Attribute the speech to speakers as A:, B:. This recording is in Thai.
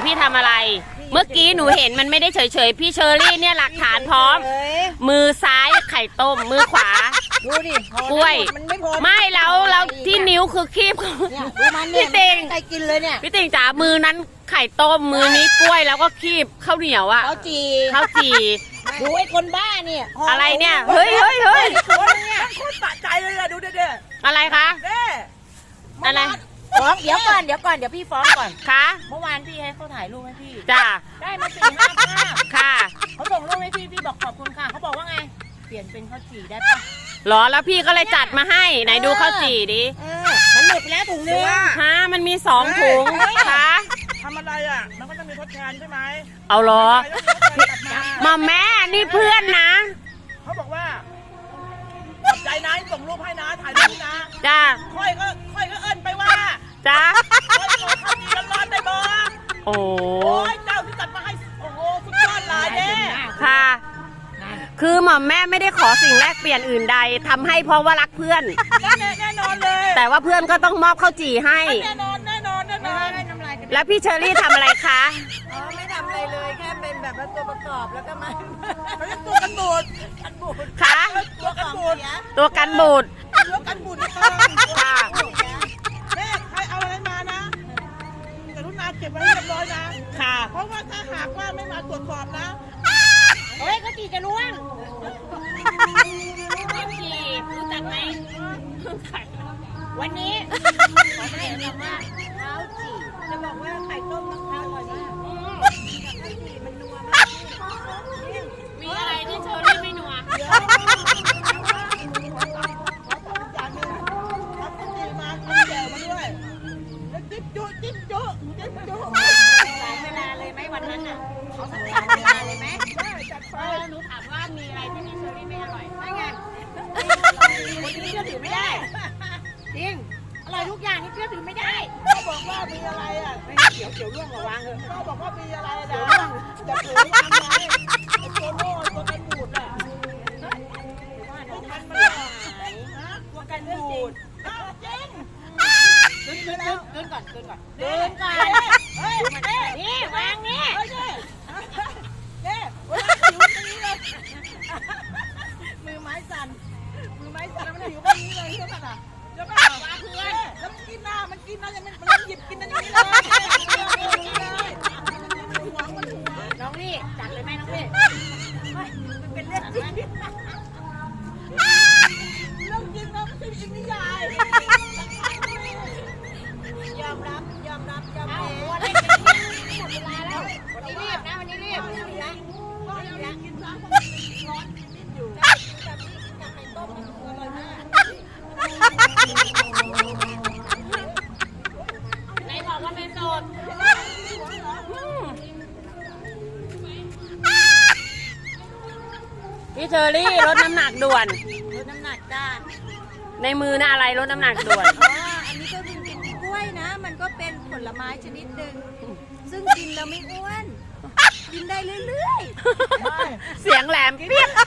A: พี่ทำอะไร เมื่อกี้หนูเห็นมันไม่ได้เฉยๆพี่เชอรี่เนี่ยหลักฐานพร้อม มือซ้ายไข่ต้มมือขวา
B: ดูดิ
A: กล้วย
B: มันไม่พอ
A: ไม่แล้วที่นิ้วคือคีบ
B: เนี่ยดูมันเนี่ย
A: พี่ติ่ง
B: ใครกินเลยเนี่ย
A: พี่ติ่งจ๋ามือนั้นไข่ต้มมือนี้กล้วยแล้วก็คีบข้าวเหนียวอะ
B: เขาจี
A: ข้าวจี่
B: ดูไอ้คนบ้าเนี่ย
A: อะไรเนี่ยเฮ้ยเฮ้ยเฮ้ย
B: คนเนี่ย
C: โคตรสะใจเลยอะดูเด้อ
A: อะไรคะ
C: เด้
A: อะไร
B: ฟ้องเดี๋ยวก่อนเดี๋ยวพี่ฟ้องก่อน
A: คะ
B: เมื่อวานพี่ให้เขาถ่ายรูปให้พี่
A: จ้า
B: ได้มา4-5 ภาพ
A: ค่ะ
B: เขาส่งรูปให้พี่บอกขอบคุณค่ะเขาบอกว่าไงเปลี่ยนเป็นข้าวจี่ได้ปะ
A: หรอแล้วพี่ก็เลยจัดมาให้ไหนดูข้าวจี่ดิ
B: มันหมดไปแล้วถุงนึง
A: ฮะมันมี2 ถุงคะ
C: ทำอะไรอะมันก็จะมีทดแทนใช่ไหม
A: เอาเหรอ
C: แล้วมีทดแทนกลับมา
A: มาแม่นี่เพื่อนนะ
C: เขาบอกว่าขอบใจนะที่ส่งรูปให้นะถ่ายรูปนะ
A: จ้า
C: ค่อยก็เอิ้นไปว่า
A: จ้า
C: ค่อยขอข้าวดีร้อนๆได้บ่
A: โอ้
C: โอ้ยเจ้าที่จัดมาให้โอ้โหสุดยอดหลายเด้
A: ค่ะ คือหม่อมแม่ไม่ได้ขอสิ่งแลกเปลี่ยนอื่นใดทำให้เพราะว่ารักเพื่อน
C: แน่นอนเลย
A: แต่ว่าเพื่อนก็ต้องมอบข้าวจี่ให้
C: แน่นอน
A: แล้วพี่เชอรี่ทำอะไรคะ
B: อ๋อไม่ทำอะไรเลยแค่เป็นแบบว่าตัวประกอบแล้วก็มา
C: เขาเรียกตัวกันบูด
A: คะ
C: ตัวกันบูด
A: ตัวกันบูด
C: ตัวกันบูดในคลอง
A: ค่ะ
C: แม่ใครเอาอะไรมานะกรุณาเก็บไว้ให้เรียบร้อยนะ
A: ค่ะ
C: เพราะว่าถ้าหากว่าไม่มาตรวจสอบนะ
B: เฮ้ยข้าวจี่จะล่วง
A: ข้าวจี่รู้จักไหม
B: วันนี้ขอให้คำว่าข้าวจี่จะบอกว่าไข่ต้มมะพร้าวอร่อยมากข้าวจี่มันนัวมาก
A: มีอะไรที่เชอรี่ไม่นัว
C: เดี๋ยวอย่างหนึงทำกุฏิมากินแจ่วมาด้วยแล้วจิ้มจุจิ้มจุ
B: หลายเวลาเลยไหมวันนั้นอ่ะเขาสัญญาเวลาเลยไหม
C: ได้จัดไป
A: หนูถามว่ามีอะไรที่พี่เชอรี่ไม่อร่อย
B: ไม่ไงคนนี้เชื่อถือไม่ได้จริงอร่อยทุกอย่างนี่เชื่อถือไม่ได้
C: เขาบอกว่ามีอะไรอ่ะ
B: ไม่เขียวร่วงระวังเถอะ
C: เขาบอกว่ามีอะไรนะจะเผยวางไว้ไอ้ตัวโม่ตัวกันบูดอ่ะ
B: ว่าน้อง
C: มั
B: มัน น
C: มัน
B: ไม่
C: หาย
B: หาย
C: นะตัวกันบูดอ้าวจริง
B: เดินก่อน
C: เดินก่อน
B: เฮ้ยนี่วางนี่
C: เฮ้ยเนี่ยเวลาหิวตรงนี้เลยมือไม้สั่นมันหิวตรงนี้เลยใช่ป่ะเดี๋ยวป่ะว่าเพื่อนแล้วมันกินนะยังมันหยิบกินอันนี้เลยหวงมันหัว
B: น้องนี่จัดเลยไหมน้องนี่มันเป็นเรื่องจริง
C: เรื่องจริงนะไม่ใช่จริงนิยาย
B: ยอมรับแพ้หมดเวลาแล้ววันนี้รีบนะวันนี้รีบนะ
C: ก็ยังกินซ้ำร้อนนิดอยู่
B: กับนี่กับไข่ต้มอร่อยมาก
A: ไหนบอกว่าเป็นโสดพี่เชอรี่ลดน้ำหนักด่วน
B: ลดน้ำหนักจ้า
A: ในมือน่ะอะไรลดน้ำหนักด่วน
D: อ๋ออันนี้ก็เป็นกล้วยนะ มันก็เป็นผลไม้ชนิดหนึ่ง ซึ่งกินแล้วไม่อ้วน กินได้เรื่อย
C: ไม่
A: เสียงแหลมเปี๊ยก